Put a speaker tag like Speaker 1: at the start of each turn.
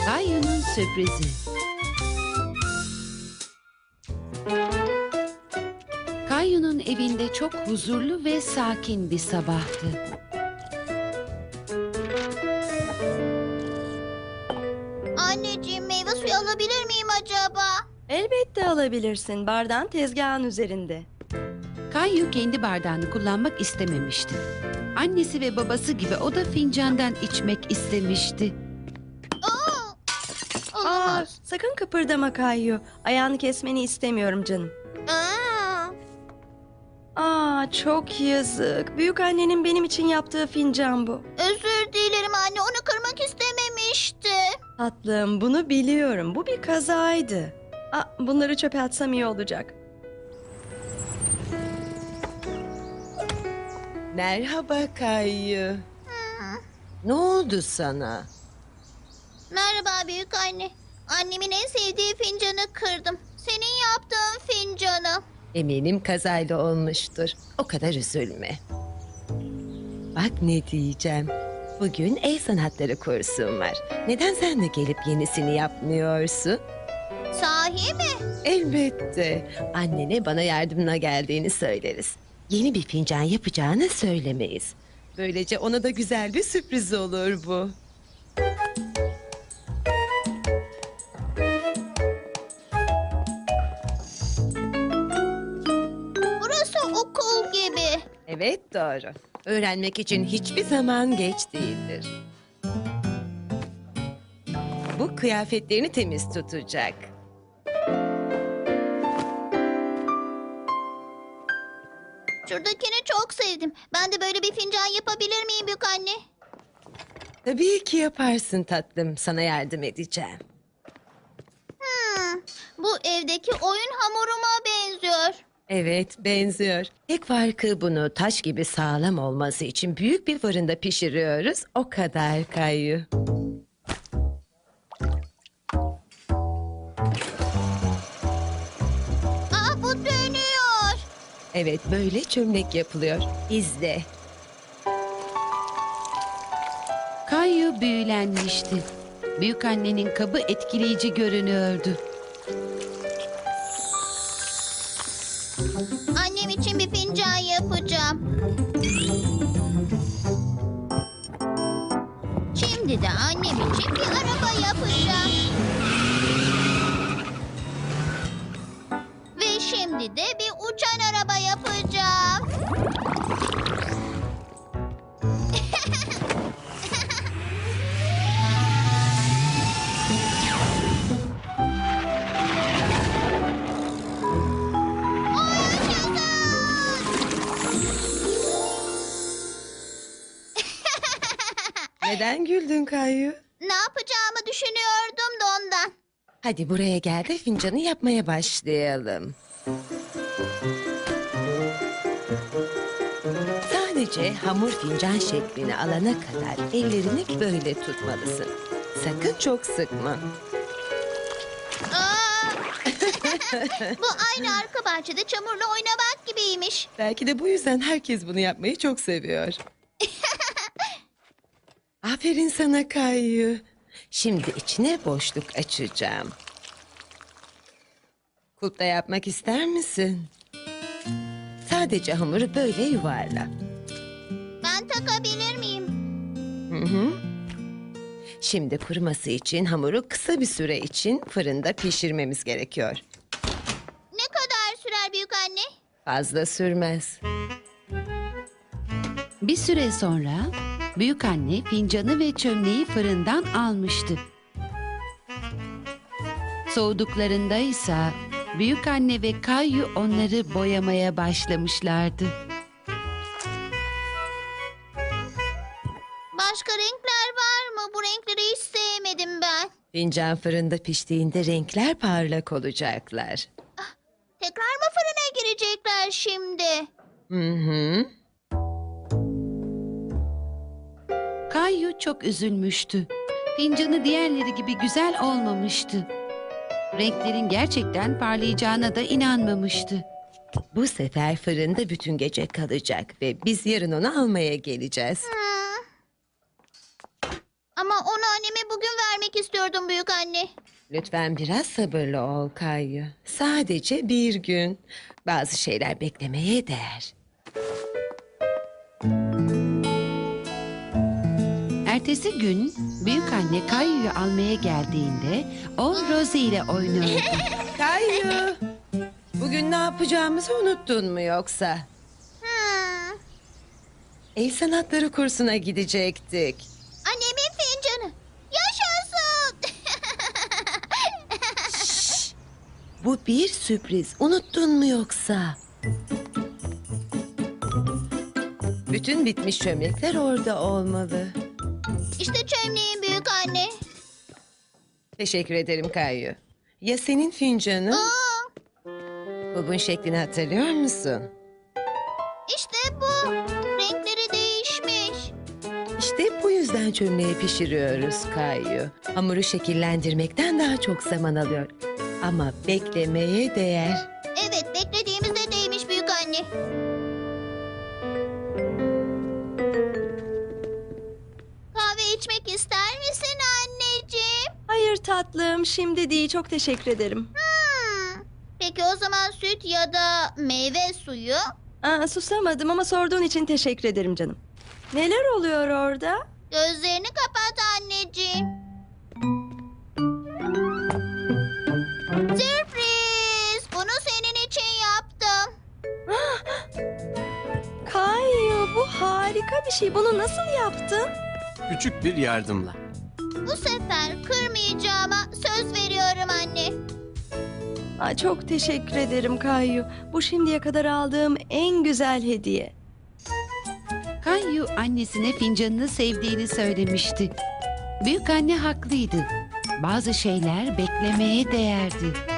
Speaker 1: Kayu'nun sürprizi. Kayu'nun evinde çok huzurlu ve sakin bir sabahtı.
Speaker 2: Anneciğim, meyve suyu alabilir miyim acaba?
Speaker 3: Elbette alabilirsin. Bardağın tezgahın üzerinde.
Speaker 1: Kayu kendi bardağını kullanmak istememişti. Annesi ve babası gibi o da fincandan içmek istemişti.
Speaker 2: Olamaz.
Speaker 3: Sakın kıpırdama Kayu. Ayağını kesmeni istemiyorum canım. Çok yazık. Büyük annenin benim için yaptığı fincan bu.
Speaker 2: Özür dilerim anne, onu kırmak istememişti.
Speaker 3: Tatlım, bunu biliyorum. Bu bir kazaydı. Bunları çöpe atsam iyi olacak.
Speaker 4: Merhaba Kayyu. Ne oldu sana?
Speaker 2: Merhaba büyük anne. Annemin en sevdiği fincanı kırdım. Senin yaptığın fincanı.
Speaker 4: Eminim kazayla olmuştur. O kadar üzülme. Bak ne diyeceğim. Bugün el sanatları kursum var. Neden sen de gelip yenisini yapmıyorsun?
Speaker 2: Sahi mi?
Speaker 4: Elbette. Annene bana yardımına geldiğini söyleriz. Yeni bir fincan yapacağını söylemeyiz. Böylece ona da güzel bir sürpriz olur bu.
Speaker 2: Burası okul gibi.
Speaker 4: Evet doğru. Öğrenmek için hiçbir zaman geç değildir. Bu kıyafetlerini temiz tutacak.
Speaker 2: Şuradakini çok sevdim. Ben de böyle bir fincan yapabilir miyim büyük anne?
Speaker 4: Tabii ki yaparsın tatlım. Sana yardım edeceğim.
Speaker 2: Bu evdeki oyun hamuruma benziyor.
Speaker 4: Evet, benziyor. Tek farkı bunu taş gibi sağlam olması için büyük bir fırında pişiriyoruz. O kadar Kayyu.
Speaker 2: Bu dönüyor.
Speaker 4: Evet, böyle çömlek yapılıyor. İzle.
Speaker 1: Kayu büyülenmişti. Büyükannenin kabı etkileyici görünüyordu.
Speaker 2: Annem için bir fincan yapacağım. Şimdi de annem için bir araba yapacağım. Ve şimdi de bir uçan araba yapacağım.
Speaker 4: Neden güldün Kayyu?
Speaker 2: Ne yapacağımı düşünüyordum da ondan.
Speaker 4: Hadi buraya gel de fincanı yapmaya başlayalım. Sadece hamur fincan şeklini alana kadar ellerini böyle tutmalısın. Sakın çok sıkma.
Speaker 2: Bu aynı arka bahçede çamurla oynamak gibiymiş.
Speaker 4: Belki de bu yüzden herkes bunu yapmayı çok seviyor. Aferin sana Kayyu. Şimdi içine boşluk açacağım. Kulpta yapmak ister misin? Sadece hamuru böyle yuvarla.
Speaker 2: Ben takabilir miyim?
Speaker 4: Hı. Şimdi kuruması için hamuru kısa bir süre için fırında pişirmemiz gerekiyor.
Speaker 2: Ne kadar sürer büyük anne?
Speaker 4: Fazla sürmez.
Speaker 1: Bir süre sonra büyükanne fincanı ve çömleği fırından almıştı. Soğuduklarında ise büyükanne ve Kayu onları boyamaya başlamışlardı.
Speaker 2: Başka renkler var mı? Bu renkleri hiç sevmedim ben.
Speaker 4: Fincan fırında piştiğinde renkler parlak olacaklar.
Speaker 2: Tekrar mı fırına girecekler şimdi?
Speaker 4: Hı.
Speaker 1: Kayu çok üzülmüştü. Fincanı diğerleri gibi güzel olmamıştı. Renklerin gerçekten parlayacağına da inanmamıştı.
Speaker 4: Bu sefer fırında bütün gece kalacak ve biz yarın onu almaya geleceğiz.
Speaker 2: Ama onu anneme bugün vermek istiyordum büyük anne.
Speaker 4: Lütfen biraz sabırlı ol Kayu. Sadece bir gün. Bazı şeyler beklemeye değer.
Speaker 1: Ertesi gün büyük anne Kayu'yu almaya geldiğinde o Rosie ile oynuyordu.
Speaker 4: Kayu! Bugün ne yapacağımızı unuttun mu yoksa?
Speaker 2: Hmm.
Speaker 4: El sanatları kursuna gidecektik.
Speaker 2: Annemin fincanı. Yaşasın.
Speaker 4: Bu bir sürpriz. Unuttun mu yoksa? Bütün bitmiş çömlekler orada olmalı.
Speaker 2: İşte çömleğin büyük anne.
Speaker 4: Teşekkür ederim Kayu. Ya senin fincanın?
Speaker 2: Aa,
Speaker 4: Kulbun şeklini hatırlıyor musun?
Speaker 2: işte bu. Renkleri değişmiş.
Speaker 4: İşte bu yüzden çömleği pişiriyoruz Kayu. Hamuru şekillendirmekten daha çok zaman alıyor. Ama beklemeye değer.
Speaker 2: Evet, beklediğimizde değmiş büyük anne. Kahve içmek ister misin anneciğim?
Speaker 3: Hayır tatlım, şimdi değil. Çok teşekkür ederim.
Speaker 2: Peki o zaman süt ya da meyve suyu?
Speaker 3: Susamadım ama sorduğun için teşekkür ederim canım. Neler oluyor orada?
Speaker 2: Gözlerini kapat anneciğim. Sürpriz! Bunu senin için yaptım.
Speaker 3: Kayu, bu harika bir şey. Bunu nasıl yaptın?
Speaker 5: Küçük bir yardımla.
Speaker 2: Bu sefer kırmayacağıma söz veriyorum anne.
Speaker 3: Çok teşekkür ederim Kayu. Bu şimdiye kadar aldığım en güzel hediye.
Speaker 1: Kayu annesine fincanını sevdiğini söylemişti. Büyük anne haklıydı. Bazı şeyler beklemeye değerdi.